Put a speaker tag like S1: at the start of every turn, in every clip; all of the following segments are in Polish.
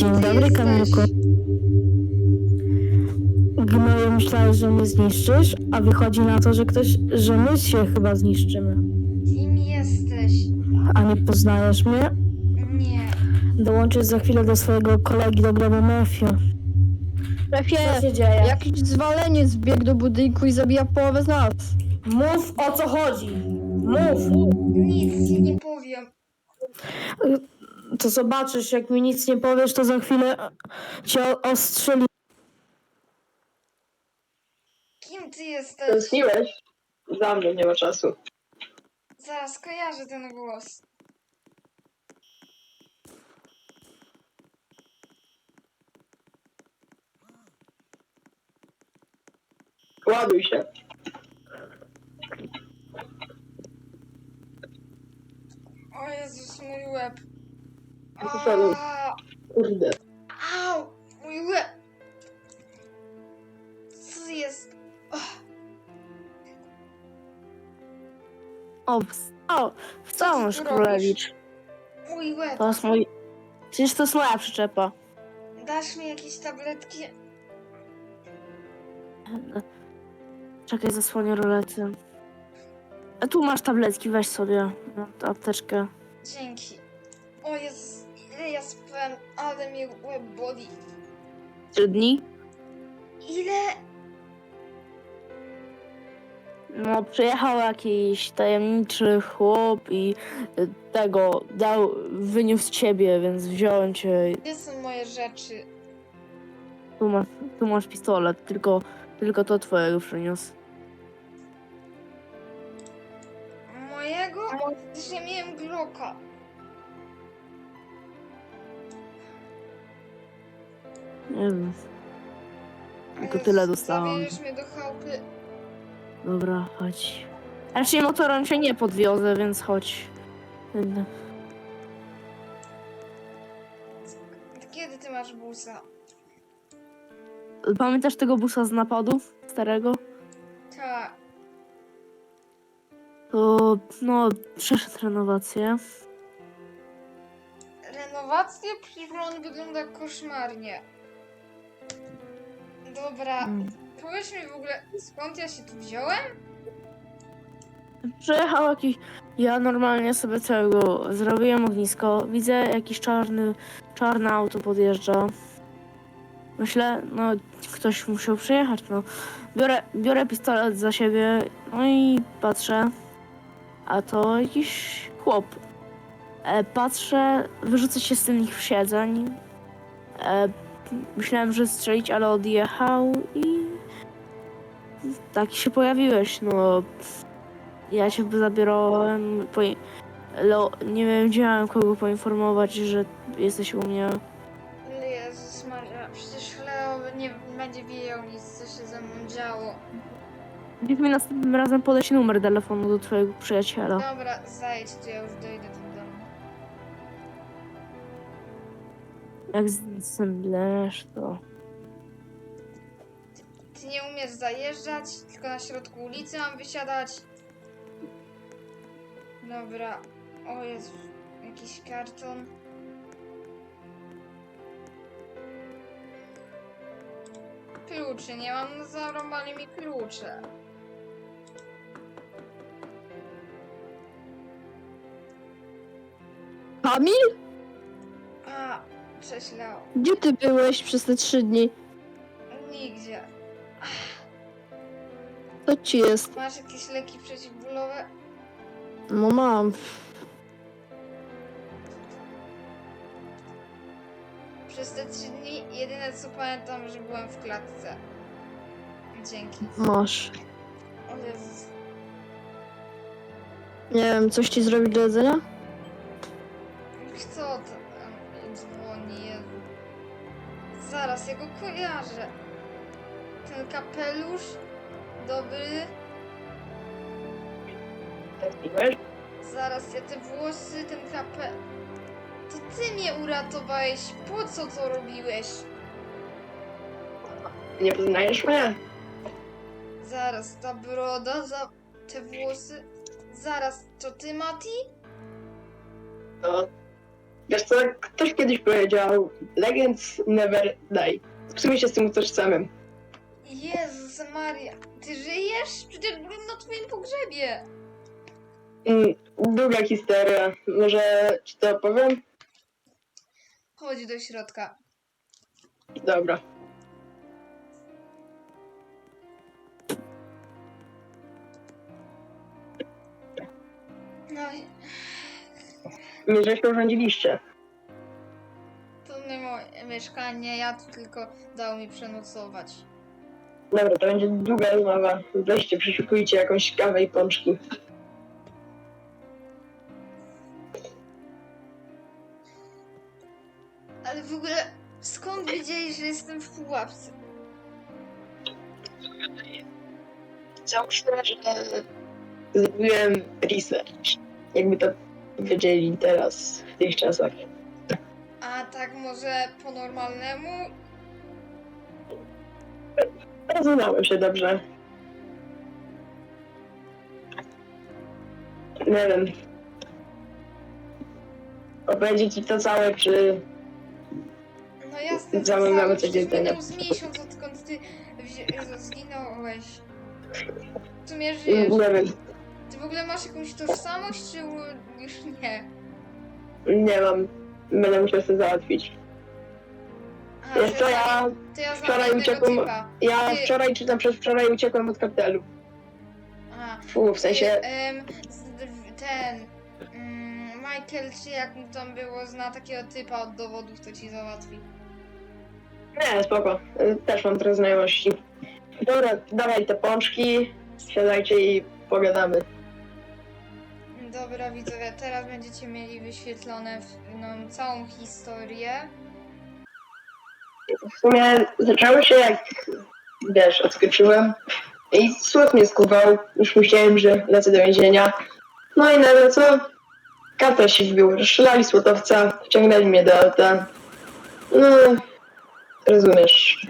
S1: Dzień
S2: ty
S1: dobry,
S2: jesteś?
S1: Kamilku. Gnoju, myślałeś, że mnie zniszczysz, a wychodzi na to, że my się chyba zniszczymy.
S2: Kim jesteś?
S1: A nie poznajesz mnie?
S2: Nie.
S1: Dołączysz za chwilę do swojego kolegi do grobu Mefio.
S3: Szefie,
S1: Co się dzieje?
S3: jakiś zwaleniec wbiegł do budynku i zabija połowę z nas.
S1: Mów, o co chodzi! Mów!
S2: Nic ci nie powiem.
S1: To zobaczysz, jak mi nic nie powiesz, to za chwilę cię ostrzeli.
S2: Kim ty jesteś?
S4: Tęskniłeś? Za mnie nie ma czasu.
S2: Zaraz kojarzę ten głos.
S4: Ładuj się.
S2: O Jezus, mój łeb.
S4: Zasadów.
S2: Aaa,
S4: Kurde.
S2: au, mój łeb. Co jest?
S3: Wstąż,
S2: ty tu
S3: królewicz.
S2: Mój łeb.
S3: To jest mój... Przecież to jest moja przyczepa.
S2: Dasz mi jakieś tabletki?
S3: Czekaj, zasłonię rolety. A tu masz tabletki, weź sobie. No, tę apteczkę.
S2: Dzięki. O Jezus, ile ja spałem, ale mnie łeb boli.
S3: 3 dni?
S2: Ile?
S3: No, przyjechał jakiś tajemniczy chłop i wyniósł ciebie, więc wziąłem cię.
S2: Gdzie są moje rzeczy?
S3: Tu masz pistolet, tylko to twojego przyniósł.
S2: Mojego? Przecież ja miałem Glocka.
S3: Nie wiem. Tylko tyle dostałam.
S2: Zabierzesz mnie do chałupy.
S3: Dobra, chodź. Raczej motorem się nie podwiozę, więc chodź.
S2: Kiedy ty masz busa?
S3: Pamiętasz tego busa z napadów? Starego?
S2: Tak.
S3: To, no, przeszedł renowację.
S2: Renowację? Przecież on wygląda koszmarnie. Dobra, powiedz mi w ogóle, skąd ja się tu wziąłem?
S3: Przyjechał jakiś... Ja normalnie sobie całego zrobiłem ognisko. Widzę jakiś czarne auto podjeżdża. Myślę, no ktoś musiał przyjechać, no. Biorę pistolet za siebie, no i patrzę. A to jakiś chłop. Patrzę, wyrzucę się z tych siedzeń. Myślałem, że strzelić, ale odjechał i... Tak się pojawiłeś, no. Ja cię zabierałem, nie wiedziałem kogo poinformować, że jesteś u mnie.
S2: Jezus Maria, przecież Leo nie będzie wiedział nic, co się ze mną działo.
S3: Niech mi następnym razem podać numer telefonu do twojego przyjaciela.
S2: Dobra, zajedź, to ja już dojdę do domu.
S3: Jak zemdlesz, to...
S2: Ty nie umiesz zajeżdżać, tylko na środku ulicy mam wysiadać. Dobra. O Jezu, jakiś karton. Kluczy, nie mam, no zarąbali mi klucze.
S3: Kamil?
S2: A, cześć Leo.
S3: Gdzie ty byłeś przez te 3 dni?
S2: Nigdzie.
S3: Co ci jest?
S2: Masz jakieś leki przeciwbólowe?
S3: No mam.
S2: Przez te 3 dni jedyne co pamiętam, że byłem w klatce. Dzięki.
S3: Masz.
S2: O Jezus.
S3: Nie wiem, coś ci zrobić do jedzenia?
S2: Kto to tam dzwoni? Jezu. Zaraz, ja go kojarzę. Ten kapelusz? Dobry.
S4: Tęskniłeś?
S2: Zaraz, ja te włosy, ten kapel... To ty mnie uratowałeś. Po co to robiłeś?
S4: Nie poznajesz mnie?
S2: Zaraz, ta broda, te włosy... Zaraz, to ty, Mati?
S4: To Wiesz co, ktoś kiedyś powiedział, legends never die. W sumie się z tym utożsamiam.
S2: Jezus Maria, ty żyjesz? Przecież byłem na twoim pogrzebie.
S4: Długa historia. Może ci to opowiem?
S2: Chodź do środka.
S4: Dobra.
S2: No, i
S4: Nie, że się urządziliście.
S2: to nie moje mieszkanie, ja tu tylko dał mi przenocować.
S4: Dobra, to będzie długa rozmowa. Weźcie, przeszukujcie jakąś kawę i pączki.
S2: Ale w ogóle, skąd wiedzieli, że jestem w pułapce?
S4: Załóżmy, że zrobiłem research. Jakby to powiedzieli teraz, w tych czasach.
S2: A tak może po normalnemu?
S4: Rozumiałem się dobrze. Nie wiem. Opowiedzieć ci to całe, czy...
S2: No jasne, to
S4: Cały
S2: cały,
S4: mamy coś do
S2: przecież
S4: jedzenia.
S2: minął z miesiąc, odkąd ty zginąłeś. W sumie żyjesz.
S4: Nie wiem.
S2: Ty w ogóle masz jakąś tożsamość, czy już nie?
S4: Nie mam. Będę musiał sobie załatwić.
S2: Aha,
S4: Wiesz co, ja
S2: to ja znam
S4: wczoraj
S2: jednego
S4: uciekłem...
S2: typa.
S4: Ja
S2: Ty-
S4: wczoraj, czy tam przedwczoraj uciekłem od kartelu.
S2: Aha.
S4: Fu, w sensie...
S2: Ten... Michael, czy jak mu tam było, zna takiego typa od dowodów, to ci załatwi.
S4: Nie, spoko. Też mam trochę znajomości. Dobra, dawaj te pączki, siadajcie i pogadamy.
S2: Dobra widzowie, teraz będziecie mieli wyświetlone całą historię.
S4: W sumie zaczęło się jak, wiesz, odskoczyłem i słod mnie skuwał. Już myślałem, że lecę do więzienia. No i nagle co? Kata się wbił, rozstrzelali słotowca, wciągnęli mnie do auta. No, rozumiesz.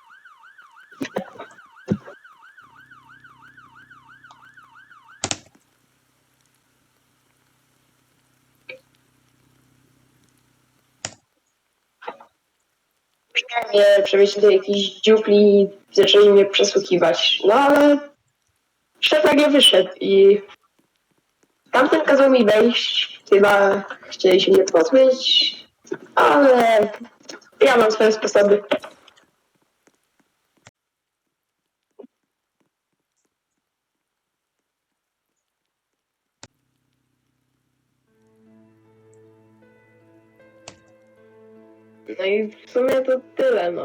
S4: Chciałem mnie przewieźć do jakiejś dziupli i zaczęli mnie przesłuchiwać. No ale szef nagle wyszedł i tamten kazał mi wejść. Chyba chcieli się mnie pozbyć, ale ja mam swoje sposoby. No i w sumie to tyle, no.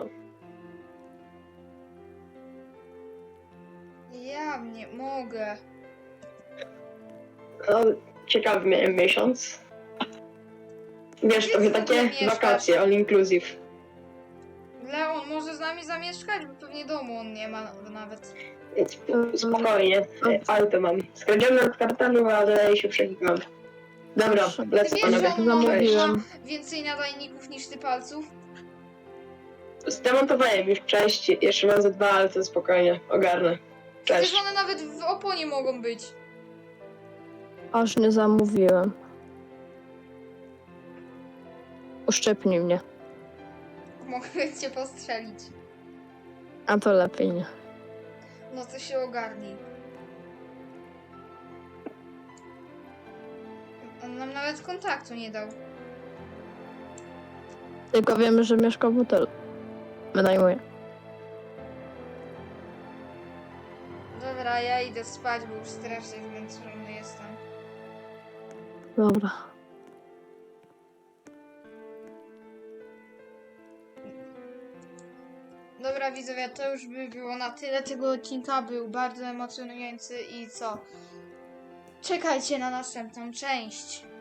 S2: Ja nie mogę.
S4: No, ciekawy miałem miesiąc. Wiesz, trochę takie
S2: Mieszkasz?
S4: wakacje, all inclusive.
S2: Leon może z nami zamieszkać, bo pewnie domu on nie ma nawet.
S4: Więc spokojnie, auto mam. Skradzione od kartelu, ale się przenikam. Dobra,
S1: Proszę.
S2: Ty
S4: lecę
S2: wiesz,
S4: panowie.
S2: że on
S1: Zamówiłem.
S2: ma więcej nadajników niż ty palców?
S4: Zdemontowałem już część, jeszcze mam ze 2, ale to spokojnie, ogarnę.
S2: Przecież
S4: Cześć.
S2: one nawet w oponie mogą być.
S1: Aż nie zamówiłem. Uszczepnij mnie.
S2: Mogę cię postrzelić.
S1: A to lepiej nie.
S2: No to się ogarnij. On nam nawet kontaktu nie dał.
S1: Tylko wiemy, że mieszka w hotelu. Wynajmuję.
S2: Dobra, ja idę spać, bo już strasznie zmęczony jestem.
S1: Dobra.
S2: Dobra widzowie, to już by było na tyle tego odcinka. Był bardzo emocjonujący i co? Czekajcie na następną część.